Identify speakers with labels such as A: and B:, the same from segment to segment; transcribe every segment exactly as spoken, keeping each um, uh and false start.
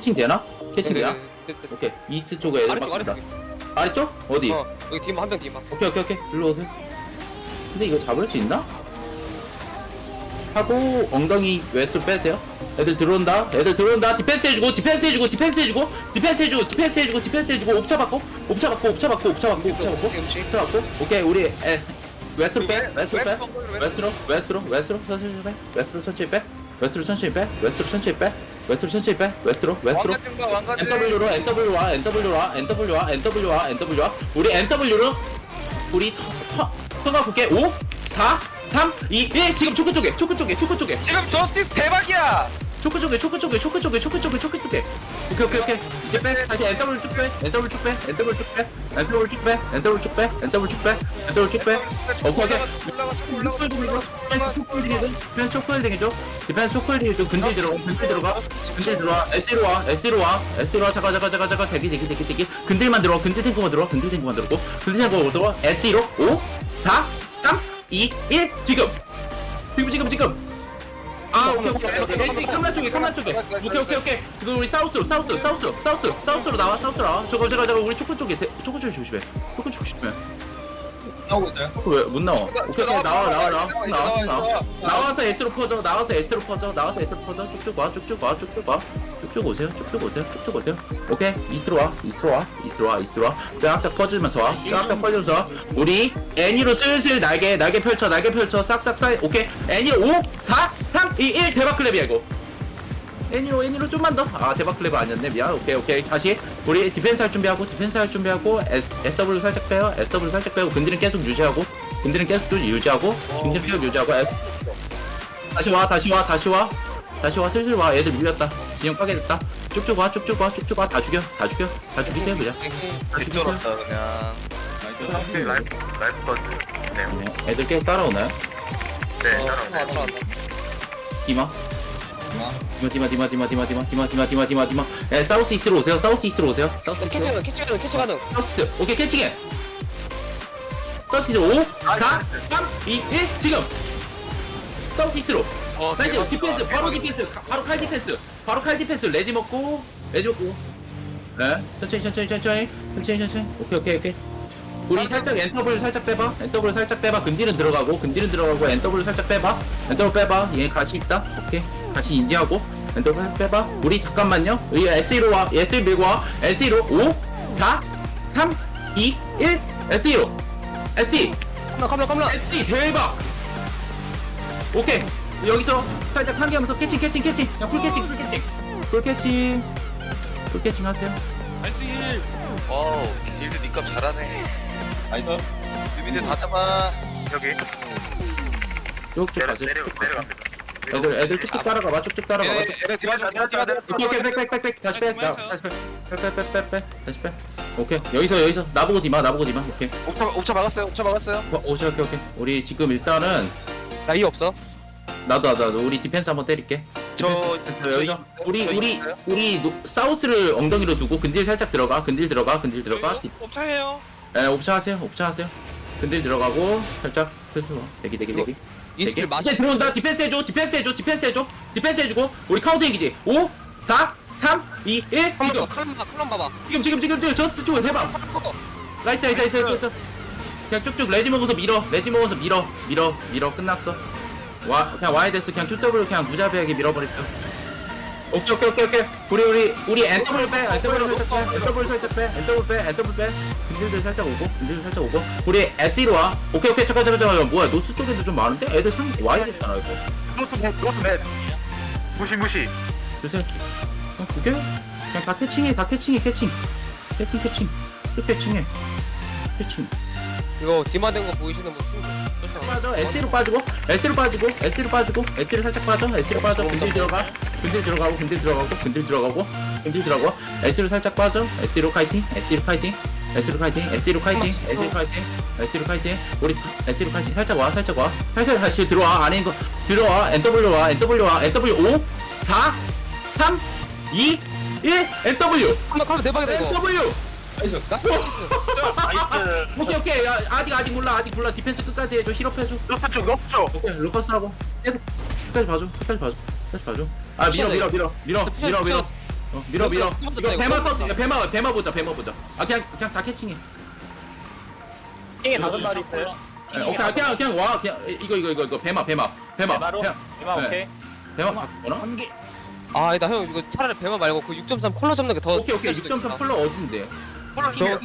A: 캐칭 되나? 캐칭 되나?
B: 네, 네, 네, 네.
A: 오케이 이스트 쪽에 애들
B: 아래쪽
A: 빡친다.
B: 아래쪽.
A: 아래쪽? 어디?
B: 어 여기 뒤만 한명 뒤만.
A: 오케이 오케이 오케이 일로 오세요. 근데 이거 잡을 수 있나? 하고 엉덩이 웨스트로 빼세요. 애들 들어온다. 애들 들어온다. 디펜스 해주고 디펜스 해주고 디펜스 해주고 디펜스 해주고 디펜스 해주고 디펜스 해주고 옵차 받고 옵차 받고 옵차 받고 옵차 받고 옵차 받고 옵차 받고 오케이 우리 에 웨스트로 빼 웨스트로 빼 웨스트로 웨스트로 웨스트로 천천히 빼 웨스트로 천천히 빼 웨스트로 천천히 빼 웨스트로 천천히 빼 웨스트로 천천히 빼 웨스트로 웨스트로 엔더블유로 엔더블유 와 엔더블유 와 엔더블유 와 엔더블유 와 엔더블유 와 우리 엔더블유로 우리 터가 볼게 오 사 삼 이 일 지금 초크 쪽에 초크 쪽에 초크 쪽에
C: 지금 저스티스 대박이야.
A: 초크 쪽에 초크 쪽에 초크 쪽에 초크 쪽에 초크 쪽에 오케이 오케이 오케이 이제 빼 다시 엔더블 쭉빼 엔더블 쭉빼 엔더블 쭉빼 엔더블 쭉빼 엔더블 쭉빼 엔더블 쭉빼 엔더블 쭉빼 오케이 오케이
C: 올라가 쭉 올라가 쭉
A: 디펜스 초크홀딩 해줘 디펜스 초크홀딩 해줘 디펜스 초크홀딩 해줘 근딜 들어가 근딜 들어가 근딜 들어와 에스로 와 에스로 와 에스로 와 잠깐 잠깐 잠깐 잠깐 대기 대기 대기 대기 근딜만 들어와 근딜 탱크만 들어와 근딜 탱크만 들어오고 근딜 탱크만 들어와 에스로 오 사 삼 이 일 지금 지금 지금 지금 아 오케이 오케이 오케이 에스이 카메라 쪽에 카메라 쪽에 오케이 오케이 오케이 지금 우리 사우스로 사우스로 사우스로 사우스로 사우스로 나와 사우스로 나와 저거 저거 저거 우리 초코 쪽에 대- 초코 쪽에 조심해 초코 쪽에 조심해
C: 나오고 있어요.
A: 왜못 나와 오케이 오케이 나와 나와 나와 나와 나와
C: 나와.
A: 나와서 S로 퍼져 나와서 S로 퍼져 나와서 S로 퍼져 쭉쭉 와 쭉쭉 와 쭉쭉 와 쭉쭉 오세요 쭉쭉 오세요 쭉쭉 오세요 오케이 이스로 와 이스로 와 이스로 와 이스로 와 쫙쫙 퍼지면서 와 쫙쫙 퍼지면서 와 우리 애니로 슬슬 날개 날개 펼쳐 날개 펼쳐 싹싹 쌓이 오케이 애니로 오 사 삼 이 일 대박 클랩이야 이거 애니로 애니로 좀만 더 아 대박 클랩 아니었네 미안 오케이 오케이 다시 우리 디펜스 할 준비하고 디펜스 할 준비하고 S, 에스더블유 살짝 빼요 에스더블유 살짝 빼고 근딜은 계속 유지하고 근딜은 계속 좀 유지하고 근딜은 계속 유지하고 S 다시 와 다시 와 다시 와 다시 와 슬슬 와 애들 밀렸다 진영 까게 됐다 쭉쭉 와 쭉쭉 와 쭉쭉 와 다 죽여 다 죽여 다 죽이세요 그냥
C: 개쩔었다 그냥.
D: 라이프 라이프 버즈. 네.
A: 네, 애들 계속 따라오나요?
D: 네.
B: 들어왔다 들어왔다.
A: 디마 디마 디마 디마 디마 디마 디마 디마 디마 디마 디마 에 사우스 이스트로 오세요 사우스 이스트로 오세요 사우스
B: 캐치
A: 이스트로
B: 가능 캐치 가능 캐치 가능.
A: 사우스 오케이 캐치게 사우스 이스트로 오 사 삼 이 일 지금 사우스 이스트로
C: 어,
A: 나이스
C: 대박이다.
A: 디펜스 바로
C: 대박이다.
A: 디펜스 가- 바로 칼 디펜스 바로 칼 디펜스 레지 먹고 레지 먹고 네 천천히 천천히 천천히 천천히 천천히 오케이 오케이 오케이 우리 살짝 엔터블 살짝 빼봐 엔터블 살짝 빼봐 근딜은 들어가고 근딜은 들어가고 엔터블 살짝 빼봐 엔터블 빼봐 얘 같이 있다 오케이 같이 인지하고 엔터블 살짝 빼봐 우리 잠깐만요 우리 에스이로 와 에스이 밀고 와 에스이로 오 사 삼 이 일 에스이로 에스이
B: 컴라 컴라 컴라.
A: 에스이 대박 오케이 여기서 살짝 상기하면서 캐칭 캐칭 캐칭 그냥 풀 캐칭 풀 캐칭 풀 캐칭 풀 캐칭 하세요
C: 어우 길드 니값 잘하네.
D: 나이스.
C: 유민들 다 잡아.
D: 여기
A: 쭉쭉
D: 내려
A: 가세요
D: 내려
A: 쭉쭉 가세요
D: 내려갑니다.
A: 애들 애들 쭉쭉 따라가봐 쭉쭉 따라가봐
C: 얘네 얘네 디마저 디마저.
A: 오케이 오케이 빽빽빽빽 다시 빼 나, 다시 빼빼빼빼빼 다시 빼 오케이 여기서 여기서 나보고 디마 나보고 디마 오케이
C: 옵차 옵차 막았어요. 옵차 막았어요.
A: 어, 오케이 오케이 오케이 우리 지금 일단은
B: 나이 없어.
A: 나도 나도 나도 우리 디펜스 한번 때릴게
C: 저
A: 디펜스 여기서
C: 저
A: 우리
C: 저
A: 우리
C: 있어요?
A: 우리 노- 사우스를 엉덩이로 두고 근딜 살짝 들어가 근딜 들어가 근딜 들어가 디-
E: 옵차해요.
A: 에 옵션 하세요 옵션 하세요 근딜 들어가고 살짝 슬슬 와 대기 대기 대기
B: 이스킬
A: 대기.
B: 맞아.
A: 이제 들어온다 디펜스 해줘 디펜스 해줘 디펜스 해줘 디펜스 해주고 우리 카운터 얘기지 오 사 삼 이 일
B: 컴라
A: 지금
B: 봐 컴라 컴라 봐봐.
A: 지금 지금 지금 지금 저스트 쪽으로 해봐 나이스 나이스 나이스 나이스 그냥 쭉쭉 레지 먹어서 밀어 레지 먹어서 밀어 밀어 밀어 끝났어 와 그냥 와야 됐어 그냥 투더블 그냥 무자비하게 밀어버렸어 오케이 오케이 오케이 오케이 우리 우리 우리 엔더블 빼 엔더블 살짝 빼 엔더블 살짝 빼 엔더블 빼 엔더블 빼 근딜들 살짝 오고 근딜들 살짝 오고 우리 에스이로 와 오케이 오케이 잠깐 잠깐 잠깐 뭐야 노스 쪽에도 좀 많은데 애들 상 와야 됐잖아 이거
D: 크로스 맵 크로스 맵. 무시 무시.
A: 요새 그냥 두개 그냥 다 캐칭해 다 캐칭해 캐칭 캐칭 캐칭 끝 캐칭해 캐칭
B: 이거 디마된 거 보이시는 분 충분.
A: 빠져 S로 빠지고 S로 빠지고 S로 빠지고 S로 살짝 빠져 S로 빠져 근딜 들어가 근딜 들어가고 근딜 들어가고 근딜 들어가고 근딜 들어가고 S로 살짝 빠져 S로 카이팅 S로 카이팅 S로 카이팅 S로 카이팅 S로 카이팅 S로 카이팅 우리 S로 카이팅 살짝 와 살짝 와 살짝 다시 들어와 안에 있는 거 들어와 엔더블유 와 엔더블유 와 엔더블유 오 사 삼 이 일 엔더블유
B: 컴라 컴라 대박이다 이거.
A: 엔더블유
B: 나이스. 나이스.
D: 나이스.
A: 오케이 오케이 야, 아직 아직 몰라 아직 몰라 디펜스 끝까지 해줘 힐업 해줘
D: 크로스 쪽 크로스 쪽.
A: 오케이 루커스하고 계속 끝까지 봐줘 끝까지 봐줘 끝까지 봐줘 아 밀어 밀어 밀어 밀어 밀어 밀어 어, 밀어 밀어.
B: 이거
A: 이거
B: 이거
A: 배마
B: 이거
A: 터 이거 배마 배마 보자 배마 보자. 아 그냥 그냥 다 캐칭해.
D: 킹에 다섯 마리 있어요.
A: 예, 오케이 아, 그냥 그냥 와 그냥 이거 이거 이거 이거 배마 배마 배마.
D: 바로
A: 그냥
D: 대박
A: 네.
D: 오케이.
A: 배마 바꾸나?
B: 아, 나 형 이거 차라리 배만 말고 그 육 점 삼 콜러 잡는 게 더.
A: 오케이 오케이 육 점 삼 컬러 어딘데?
B: 저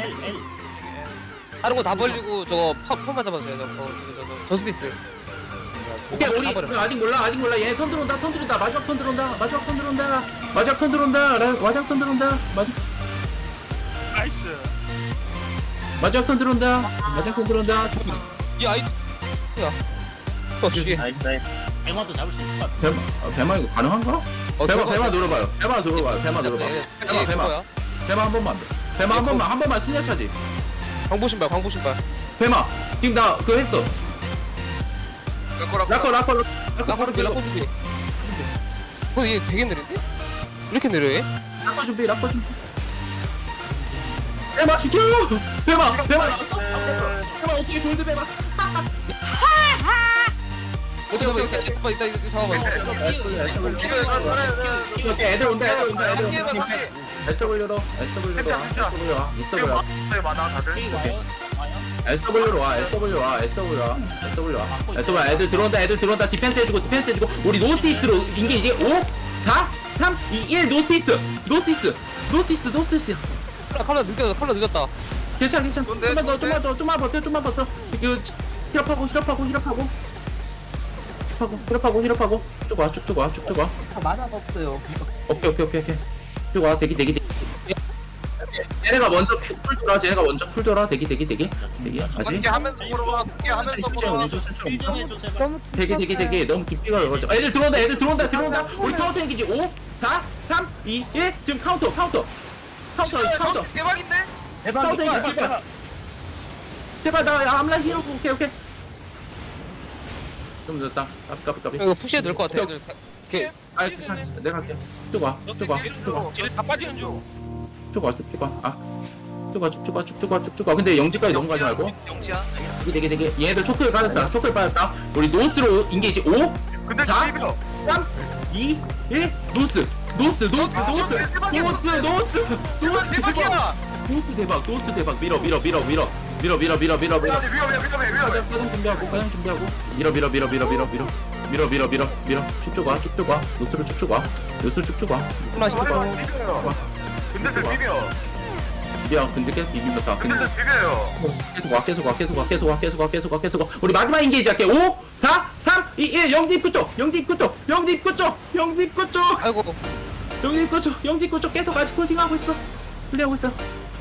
B: 다른 거 다 벌리고 저거 파, 폰만 잡아주세요. 저거 저거 저거 저스티스.
A: 오케이 우리
B: 다 버려.
A: 우리 아직 몰라 아직 몰라 얘 턴 들어온다 턴 들어온다 마지막 턴 들어온다 마지막 턴 들어온다 마지막 턴 들어온다 라- 마지막 턴 들어온다 마지
D: 나이스.
A: 마지막 턴 들어온다 마지막 턴 들어온다
B: 이 아이. 야. 어, 씨.
D: 나이스 나이스.
E: 백마도 잡을 수 있을 것 같아.
A: 배마 아, 배마 이거 가능한가?
B: 어,
A: 배마
B: 저거-
A: 배마 눌러봐요 배마 눌러봐요 배마 눌러봐
B: 네,
A: 배마
B: 네,
A: 배마
B: 그거야.
A: 배마 한 번만 배마 한 번만 한 번만 스냐 차지
B: 광부 신발, 광부 신발.
A: 배마 지금 나 그거 했어
C: 라커
A: 라커
C: 라커.
A: 라커
B: 라코
A: 라커
B: 준비, 라코 준비. 어, 얘 되게 느린데? 이렇게 느려해?
A: 라커 준비 라커 준비 배마 죽여 배마 배마 나왔어? 배마 어떻게 골드 배마
B: 오케이, 오케이, 오케이. 이따, 이따, 이따, 잡아봐.
A: 오케이 애들 온다 애들 온다 애들
C: 함께 해봐
A: 온다
C: 함께.
A: 에스더블유로 에스더블유로 와 에스더블유 와 에스더블유 와
D: 있어요 많아 다들.
E: K 와요? 와요?
A: 에스더블유로 와 에스더블유 와 에스더블유 와 에스더블유 와 에스더블유 애들 들어온다 애들 들어온다 디펜스 해주고 디펜스 해주고 우리 노스이스로 인게 이제 오 사 삼 이 일 노스이스 노스이스 노스이스 노스이스
B: 컬러, 컬러 늦었다, 컬러 늦었다.
A: 괜찮아 괜찮아
C: 좋은데,
A: 좀만 더
C: 좋은데?
A: 좀만 더 좀만 버텨 좀만 버텨 그 힐업하고 힐업하고 힐업하고 힐업하고 힐업하고 힐업하고 쭉와 쭉쭉 와 쭉쭉 와
E: 만화가 없어요.
A: 오케이 오케이 오케이 오케이 쭉와 대기 대기 대기 얘네가 먼저 풀 돌아 쟤네가 먼저 풀 돌아 대기 대기 대기 대기 아직
C: 함께 하면서 보러 함께 하면서
A: 천천히
C: 보러
A: 오면서 천천히 오면서
E: 일정해줘 제발.
A: 되게 되게 되게 너무 깊이가 넓어져. 애들 들어온다 애들 들어온다 들어온다. 우리 카운터 행기지 오, 사, 삼, 이, 일 지금 카운터 카운터 카운터
C: 진짜
A: 카운터
C: 대박인데?
A: 카운터 행기 제발 제발 나 암라 히어 오케이 오케이 좀 늦었다. 까비 까비 까비.
B: 이거 푸시해도 될 것 같아. 애들 다- 오케이.
A: 아 괜찮아 내가 할게. 쭉와쭉와쭉와
D: 쟤네 다 빠지는
A: 쭉와쭉와 아 쭉와 쭉쭉와 쭉쭉와 쭉쭉와 근데 영지까지 넘어가지 말고
C: 영지야.
A: 되게 되게 되게 얘네들 초크를 빠졌다 초크를 빠졌다. 우리 노스로 인게이지 오,
D: 근데
A: 자.
D: 지금
A: 삼, 이, 일 노스 노스 노스 노스
C: 저스,
A: 노스
C: 저스, 대박이야,
A: 노스
C: 저스.
A: 노스
C: 제발
A: 노스
C: 대박이야.
A: 노스 대박 노스 대박 밀어 밀어 밀어 밀어 밀어 밀어 밀어 밀어 밀어
D: 위험해 위험해 위험해 위험해.
A: 화장 준비하고 화장 준비하고 밀어 밀어 밀어 밀어 밀어 밀어 밀어 밀어 밀어 밀어 쭉쭉 와 쭉쭉 와 노스로 쭉쭉 와 노스로 쭉쭉 와
B: 콜라 신발.
D: 하지마 비벼요. 근데 저 비벼.
A: 야 근데 계속 비비면서
D: 근데 저 비벼요.
A: 계속 와 계속 와 계속 와 계속 와 계속 와 계속 와 계속 와 우리 마지막 인게이지 할게 오, 사, 삼, 이, 일 영지 입구 쪽 영지 입구 쪽 영지 입구 쪽 영지 입구 쪽
B: 아이고.
A: 영지 입구 쪽 영지 입구 쪽 계속 아직 콜팅하고 있어 플레이하고 있어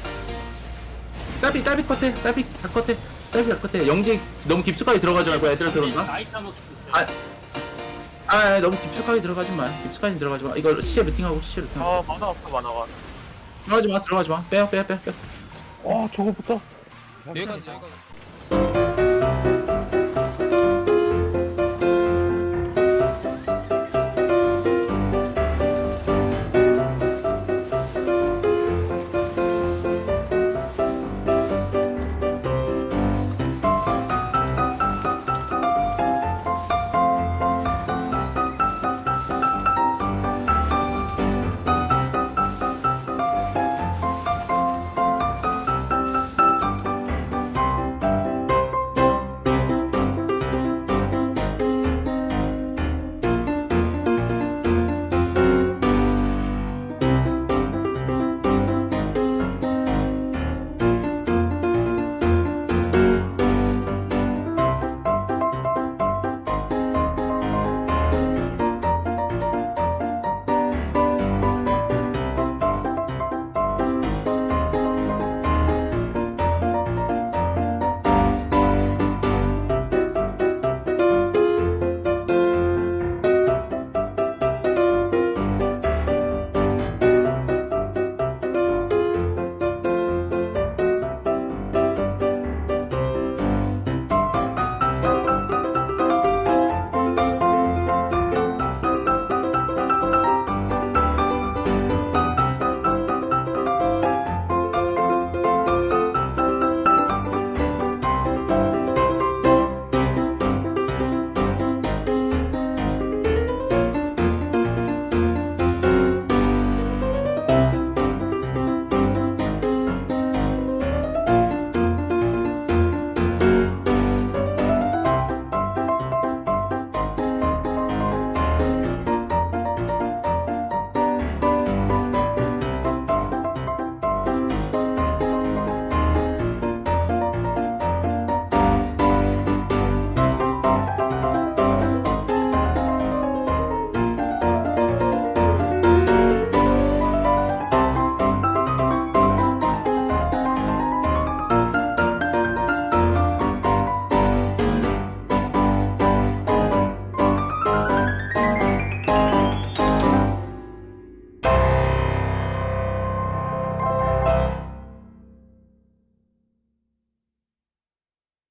A: 따비 따비 컷해 따비 다 컷해 따비 다 컷해 영지 너무 깊숙하게 들어가지 말고 애들 들어온다
E: 나이트 한번
A: 아, 아 너무 깊숙하게 들어가지 마 깊숙하게 들어가지 마 이거 시체 루팅하고 시체 루팅하고
D: 아 만화 없어 만화가.
A: 들어가지 마 들어가지 마 빼요 빼요 빼요 빼요
D: 아 저거 붙었어.
B: 여기까지, 여기까지.